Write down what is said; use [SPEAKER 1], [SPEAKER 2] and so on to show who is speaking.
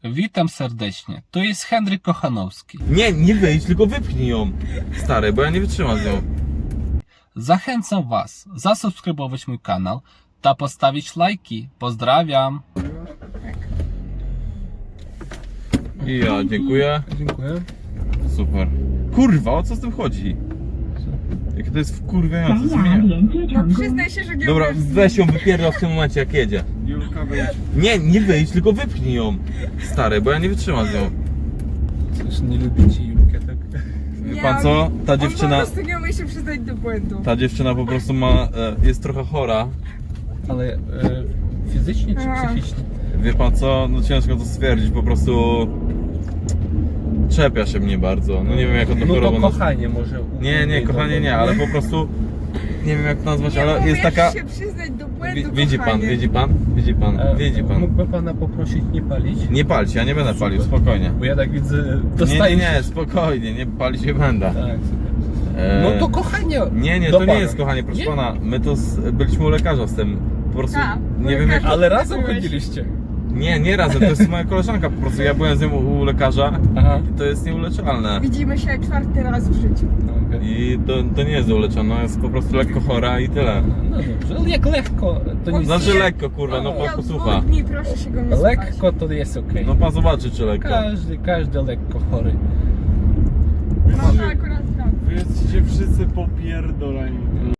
[SPEAKER 1] Witam serdecznie, to jest Henryk Kochanowski.
[SPEAKER 2] Nie wyjdź, tylko wypchnij ją, stary, bo ja nie wytrzymam z nią.
[SPEAKER 1] Zachęcam Was zasubskrybować mój kanał ta postawić lajki. Pozdrawiam.
[SPEAKER 2] I ja, dziękuję.
[SPEAKER 3] Dziękuję.
[SPEAKER 2] Super. Kurwa, o co z tym chodzi? Jakie to jest wkurwiające, zmienia.
[SPEAKER 4] No przyznaj się, że nie
[SPEAKER 2] Dobra,
[SPEAKER 4] umiesz
[SPEAKER 2] weź ją wypierdol w tym momencie, jak jedzie.
[SPEAKER 3] Julka, wyjdź.
[SPEAKER 2] Nie wyjdź, tylko wypchnij ją, stary, bo ja nie wytrzymam z nią.
[SPEAKER 3] Coś nie lubicie Julkę, tak?
[SPEAKER 2] Wie pan co? Ta
[SPEAKER 4] On
[SPEAKER 2] dziewczyna,
[SPEAKER 4] po prostu nie umie się przyznać do błędu.
[SPEAKER 2] ta dziewczyna po prostu ma, jest trochę chora.
[SPEAKER 3] Ale fizycznie czy
[SPEAKER 4] A.
[SPEAKER 3] psychicznie?
[SPEAKER 2] Wie pan co? No ciężko to stwierdzić, po prostu czepia się mnie bardzo. No nie wiem jak on to
[SPEAKER 3] No to
[SPEAKER 2] chorobą
[SPEAKER 3] kochanie może.
[SPEAKER 2] Nie, kochanie nie, ale po prostu nie wiem jak to nazwać,
[SPEAKER 4] Nie
[SPEAKER 2] ale jest
[SPEAKER 4] umiesz
[SPEAKER 2] taka...
[SPEAKER 4] się przyznać do błędu,
[SPEAKER 2] Widzi pan,
[SPEAKER 4] kochanie.
[SPEAKER 2] widzi pan.
[SPEAKER 3] Mógłby pana poprosić nie palić?
[SPEAKER 2] Nie palcie, ja nie będę palił, spokojnie.
[SPEAKER 3] Bo ja tak widzę,
[SPEAKER 2] Nie,
[SPEAKER 3] dostaję
[SPEAKER 2] nie, spokojnie, nie palić nie będę.
[SPEAKER 3] Tak, super. No to kochanie.
[SPEAKER 2] Nie,
[SPEAKER 3] do
[SPEAKER 2] to
[SPEAKER 3] pana.
[SPEAKER 2] nie jest kochanie, proszę
[SPEAKER 3] Nie?
[SPEAKER 2] pana. My to byliśmy u lekarza z tym. Po prostu
[SPEAKER 4] Tak, u
[SPEAKER 2] nie wiem jak...
[SPEAKER 4] lekarza.
[SPEAKER 3] Ale razem
[SPEAKER 4] Byłeś.
[SPEAKER 3] chodziliście.
[SPEAKER 2] Nie razem, to jest moja koleżanka po prostu. Ja byłem z nią u lekarza
[SPEAKER 3] Aha.
[SPEAKER 2] i to jest nieuleczalne.
[SPEAKER 4] Widzimy się 4. raz w życiu.
[SPEAKER 3] No, okej.
[SPEAKER 2] I to nie jest uleczalne, ona jest po prostu lekko chora i tyle.
[SPEAKER 3] No dobrze, ale jak lekko, to nie
[SPEAKER 2] Znaczy lekko, kurwa, no pan
[SPEAKER 4] Ja
[SPEAKER 2] posłucha.
[SPEAKER 4] 2 dni, proszę się go nie słuchać.
[SPEAKER 3] lekko to jest okej.
[SPEAKER 2] No pan zobaczy czy lekko.
[SPEAKER 3] Każdy lekko chory.
[SPEAKER 4] No to akurat tak.
[SPEAKER 5] Wy jesteście wszyscy popierdoleni.